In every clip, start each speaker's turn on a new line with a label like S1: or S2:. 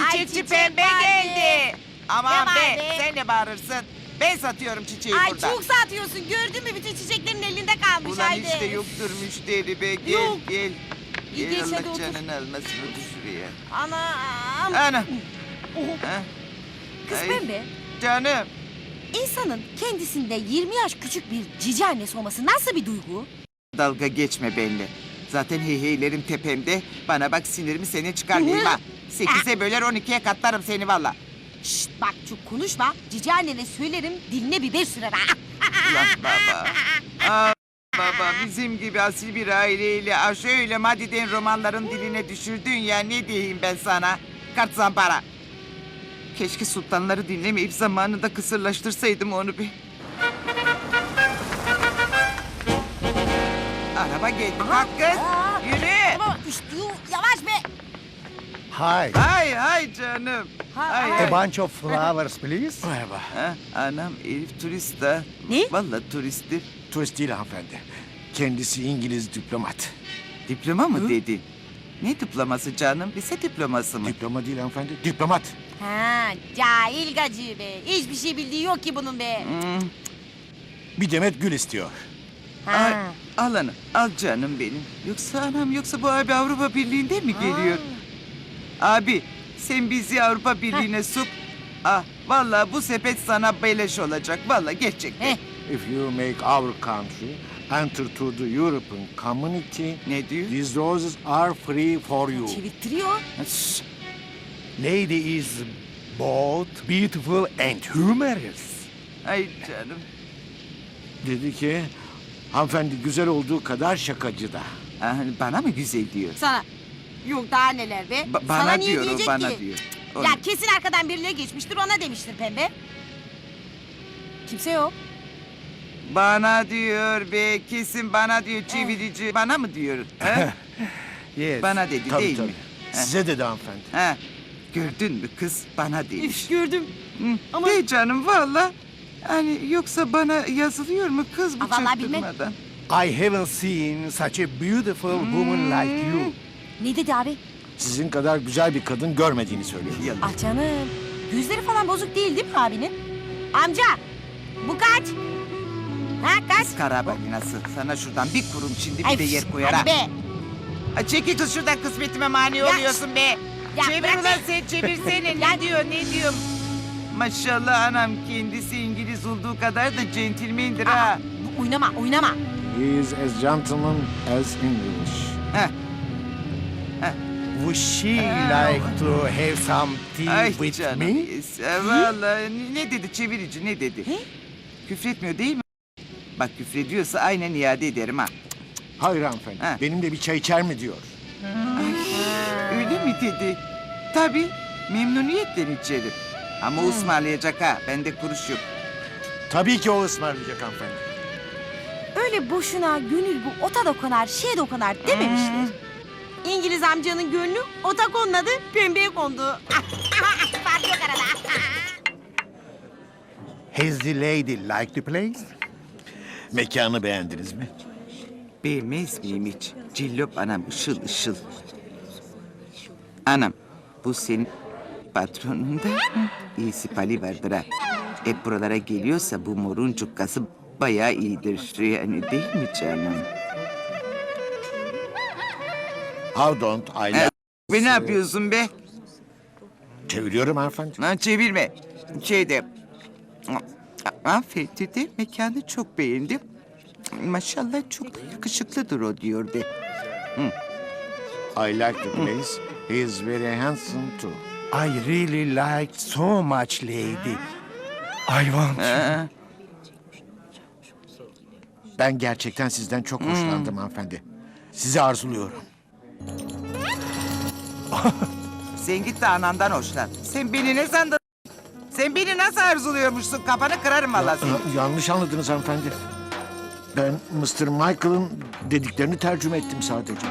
S1: Çiçekçi
S2: çiçek
S1: pembe
S2: vardı.
S1: geldi. Aman
S2: Ne
S1: be,
S2: vardı?
S1: sen ne bağırırsın? Ben satıyorum çiçeği
S2: Ay
S1: burada.
S2: çok satıyorsun. Gördün mü bütün çiçeklerin elinde kalmış.
S1: Ulan
S2: haydi.
S1: işte yoktur müşteri be. Gel
S2: Yok.
S1: gel.
S2: İyi,
S1: Gel
S2: geç, hadi
S1: Allah
S2: otur.
S1: canını almasın otur şuraya.
S2: Anam.
S1: Ana.
S2: Oh.
S1: Ha?
S2: Kız
S1: Ay,
S2: pembe.
S1: Canım.
S2: İnsanın kendisinde 20 yaş küçük bir cici annesi olması nasıl bir duygu?
S1: Dalga geçme benimle. Zaten heyheylerim tepemde. Bana bak sinirimi seni çıkarmayayım ha. 8'e böler 12'ye katlarım seni valla.
S2: Şşt bak çok konuşma. Cici annene söylerim diline biber sürer ha.
S1: Ulan baba. Aa, baba bizim gibi asil bir aileyle şöyle Madi'den romanların diline düşürdün ya ne diyeyim ben sana. Kart zampara. Keşke sultanları dinlemeyip zamanında kısırlaştırsaydım onu bir. Araba geldi kalk kız.
S2: Aa,
S1: Yürü.
S2: Tamam işte yavaş be.
S3: Hi.
S1: Hay canım.
S2: Hay.
S3: A bunch of flowers, please.
S4: Merhaba.
S1: Ha, anam Elif turist ha.
S2: Ne?
S1: Vallahi turisttir.
S4: Turist değil hanımefendi. Kendisi İngiliz diplomat.
S1: Diploma mı dedin? Ne diploması canım? Lise diploması mı?
S4: Diploma değil hanımefendi. Diplomat.
S2: Ha, cahil gacı be. Hiçbir şey bildiği yok ki bunun be.
S1: Hmm.
S4: Bir demet gül istiyor.
S1: Ay,
S2: Ha.
S1: al anam, al canım benim. Yoksa anam, yoksa bu abi Avrupa Birliği'nde mi geliyor? Abi, sen bizi Avrupa Birliği'ne sok. Ah, vallahi bu sepet sana beleş olacak. Vallahi gerçekten.
S2: Heh.
S4: If you make our country enter to the European community,
S1: Ne diyor?
S4: these roses are free for you.
S2: Çevirttiriyor.
S1: Şşş,
S3: Lady is both beautiful and humorous.
S1: ay canım.
S4: Dedi ki hanımefendi güzel olduğu kadar şakacı da.
S1: Ah, bana mı güzel diyor?
S2: Sana. Yok daha neler be.
S1: Bana
S2: Sana niye
S1: diyor o,
S2: diyecek
S1: bana
S2: ki?
S1: diyor.
S2: Ya kesin arkadan birileri geçmiştir ona demiştir pembe. Kimse yok.
S1: Bana diyor be, kesin bana diyor çevirici. Bana mı diyor? Ha?
S3: Yes.
S1: Bana dedi
S4: Tabii
S1: değil
S4: tabii.
S1: mi?
S4: Size dedi hanımefendi.
S1: Ha? Gördün mü kız bana demiş.
S2: Üf gördüm.
S1: Hı,
S2: Ama-
S1: De canım valla. Hani yoksa bana yazılıyor mu kız bu
S2: Aa, vallahi bilmem.
S1: çaktırmadan?
S3: I haven't seen such a beautiful woman like you.
S2: Ne dedi abi?
S4: Sizin kadar güzel bir kadın görmediğini söylüyor.
S1: Yalan.
S2: Ah canım. Gözleri falan bozuk değil mi abinin? Amca. Bu kaç? Ha kaç?
S1: Kız karabalinası. Sana şuradan bir kurum şimdi
S2: Ay,
S1: bir de yer koyar ha.
S2: hadi be.
S1: Ay, çekil kız şuradan kısmetime mani
S2: Ya,
S1: oluyorsun be.
S2: ya
S1: Çevir
S2: bırak
S1: ulan
S2: be.
S1: sen çevirsene. Ne diyor ne diyor? Maşallah anam kendisi İngiliz olduğu kadar da centilmendir ha.
S2: Oynama oynama.
S4: He is as gentleman as English.
S1: Heh.
S3: Would she like to have some tea
S1: Ay
S3: with
S1: canım.
S3: me?
S1: Vallahi ne dedi çevirici ne dedi?
S2: He?
S1: Küfretmiyor değil mi? Bak küfrediyorsa aynen iade ederim ha.
S4: Hayır hanımefendi.
S1: Ha.
S4: Benimle bir çay içer mi diyor.
S1: Öyle mi dedi? Tabii memnuniyetle içerim. Ama ısmarlayacak ha. Bende kuruş yok.
S4: Tabii ki o ısmarlayacak hanımefendi.
S2: Öyle boşuna gönül bu ota dokunar, şeye dokunar dememişler. İngiliz amcanın gönlü ota konmadı, pembeye kondu. Fark yok arada.
S3: Has the lady liked the place?
S4: Mekanı beğendiniz mi?
S1: Beğenmez miyim hiç? Cillop anam ışıl ışıl. Anam bu senin patronunda iyisi pali vardır ha. Hep buralara geliyorsa bu morun cukkası bayağı iyidir. Yani değil mi canım?
S4: How don't I
S1: Ha,
S4: like...
S1: Ve ne yapıyorsun be?
S4: Çeviriyorum hanımefendi.
S1: Lan çevirme. Şeyde... Hanımefendi de mekanı çok beğendim. Maşallah çok da yakışıklıdır o diyor de.
S4: I like the place. He is very handsome too.
S3: I really liked so much, lady. I want you.
S1: Ha,
S4: Ben gerçekten sizden çok hoşlandım hanımefendi. Sizi arzuluyorum.
S1: sen git de anandan hoşlan. Sen beni ne sandın? Sen beni nasıl arzuluyormuşsun? Kafanı kırarım valla seni.
S4: Yanlış anladınız hanımefendi. Ben Mr. Michael'ın dediklerini tercüme ettim sadece.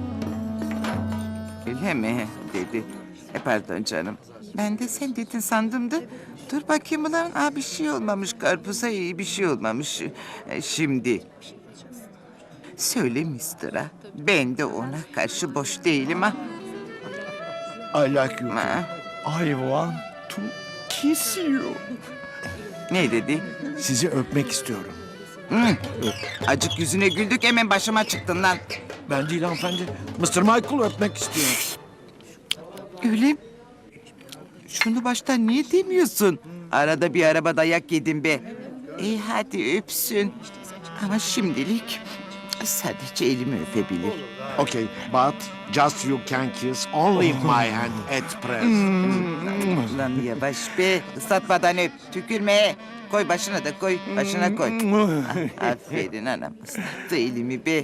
S1: Öyle mi? Dedi. Pardon canım. Ben de sen dedin sandım da. Dur bakayım ulan. Aa, bir şey olmamış karpuza iyi bir şey olmamış. Şimdi. Söyle mister'a. Ben de ona karşı boş değilim ha.
S4: I like you too.
S1: Ha.
S3: I want to kiss you.
S1: Ne dedi?
S4: Sizi öpmek istiyorum.
S1: Hı. Acık yüzüne güldük hemen başıma çıktın lan.
S4: Ben değil hanımefendi. Mr. Michael öpmek istiyor.
S1: Öyle mi? Şunu baştan niye demiyorsun? Arada bir araba dayak yedim be. İyi hadi öpsün. Ama şimdilik sadece elimi öpebilir.
S4: Okay, but just you can kiss only my hand at present.
S1: Lan yavaş be. Islatmadan öp. Tükürme. Koy başına da koy. Başına koy. Ah, aferin anam. Islattı elimi be.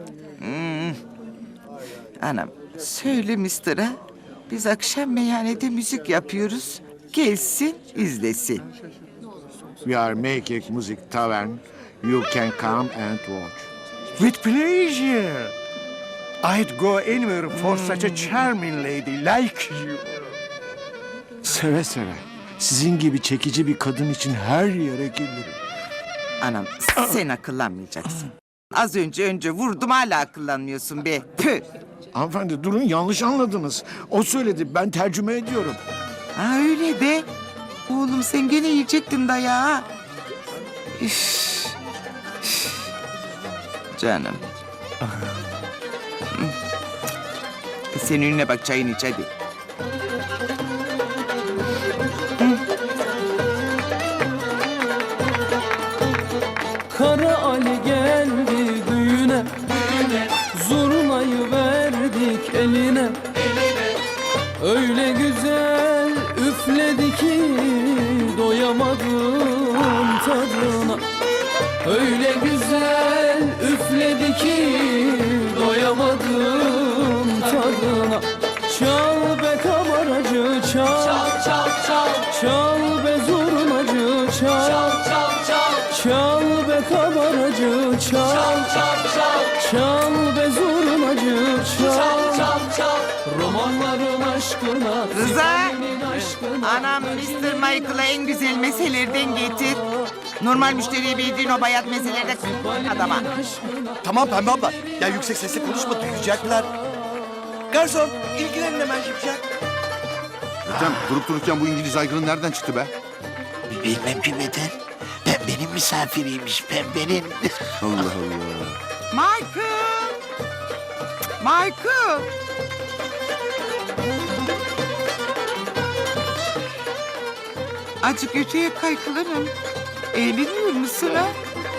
S1: Anam söyle mister'a. Biz akşam meyhanede müzik yapıyoruz. Gelsin izlesin.
S4: We are making music tavern. You can come and watch.
S3: With pleasure. I'd go anywhere for such a charming lady like you.
S4: Seve seve. Sizin gibi çekici bir kadın için her yere gelirim.
S1: Anam sen akıllanmayacaksın. Az önce vurdum hala akıllanmıyorsun be. Püh.
S4: Hanımefendi durun, yanlış anladınız. O söyledi, ben tercüme ediyorum.
S1: Ha öyle de. Oğlum sen gene yiyecektin dayağı. Üf. Üf. Canım. Sen önüne bak çayını iç hadi.
S5: Kara Ali geldi düğüne, zurnayı verdik eline. Öyle güzel üfledi ki doyamadım tadına. Öyle güzel üfledi ki doyamadım tadına. Çal be kabaracı çal, çal çal çal. Çal be zurnacı çal, çal çal çal. Çal be kabaracı çal, çal çal çal. Çal be zurnacı çal, çal çal çal. Romanların aşkına,
S1: Rıza!
S5: senin aşkına.
S1: Anam Mr. Michael'a en güzel meselerden getir. Normal müşteriye bildiğin o bayat meselerde adama.
S6: Tamam Pembe abla. Ya yüksek sesle konuşma, duyacaklar. Garson, ilgilenin hemen Şipşak.
S7: Ethem durup dururken bu İngiliz aygırı nereden çıktı be?
S8: Bilmem ki Beter. Pembenin misafiriymiş, pembenin.
S7: Allah Allah.
S1: Michael! Michael! Azıcık öteye kaykılarım. Eğleniyor musun ha?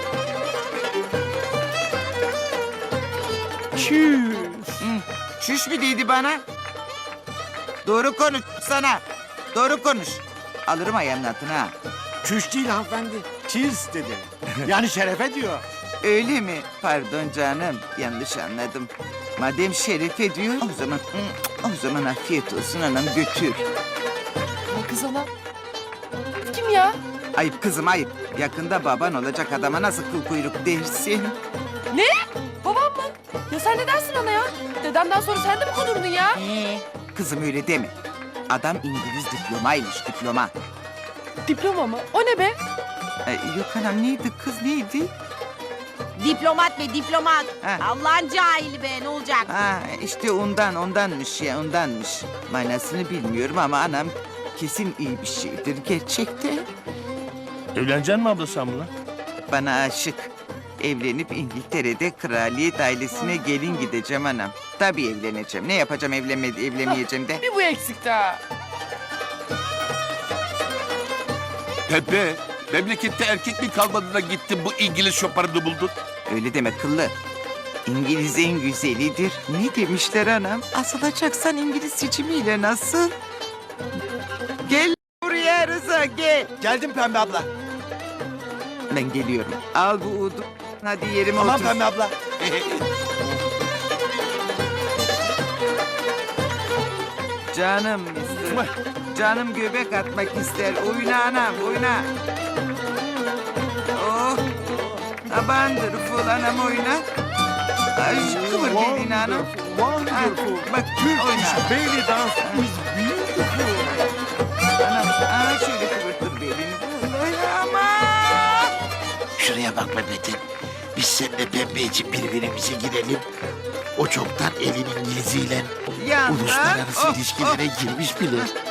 S3: Cheers.
S1: Çüş mü dedi bana? Doğru konuş sana. Doğru konuş. Alırım ayağımın altına ha.
S4: Çüş değil hanımefendi. Cheers dedi. Yani şerefe diyor.
S1: Öyle mi? Pardon canım. Yanlış anladım. Madem şerefe diyor o zaman afiyet olsun anam götür.
S9: Kız ana. Kim ya?
S1: Ayıp kızım ayıp. Yakında baban olacak adama nasıl kıl kuyruk dersin?
S9: Ne? Babam mı? Ya sen ne dersin ana ya? Dedemden sonra sen de mi konurdun ya?
S1: Kızım öyle deme. Adam İngiliz diplomaymış diploma.
S9: Diploma mı? O ne be?
S1: Yok anam neydi kız neydi?
S2: Diplomat be diplomat.
S1: Ha.
S2: Allah'ın cahili be ne olacak?
S1: Ha işte ondanmış ya ondanmış. Manasını bilmiyorum ama anam kesin iyi bir şeydir gerçekten.
S3: Evleneceksin mi abla sen bununla?
S1: Bana aşık. Evlenip İngiltere'de kraliyet ailesine gelin gideceğim anam. Tabii evleneceğim. Ne yapacağım evlenmeyeceğim de.
S9: Bir bu eksikti ha.
S7: Pepe, memlekette erkek mi kalmadı da gittin bu İngiliz şoparını buldun?
S1: Öyle deme kıllı. İngiliz en güzelidir. Ne demişler anam? Asılacaksan İngiliz seçimiyle nasıl? Gel buraya Rıza gel.
S6: Geldim Pembe abla.
S1: Ben geliyorum. Al bu udu. Hadi yerime
S6: Tamam
S1: otur.
S6: Pembe abla.
S1: Canım mister. Canım göbek atmak ister. Oyna anam oyna. Oh. Abandır ful anam oyna. Ay, kıvır belini anam.
S3: Wonderful.
S1: Bak oyna.
S3: Belly dance is beautiful.
S1: Anam şöyle kıvırtır belini. Oyna ama.
S8: Şuraya bak be Beter. Biz seninle pembe için birbirimize girelim. O çoktan elin İngiliziyle
S1: Yandan.
S8: uluslararası
S1: Oh,
S8: ilişkilere girmiş bile.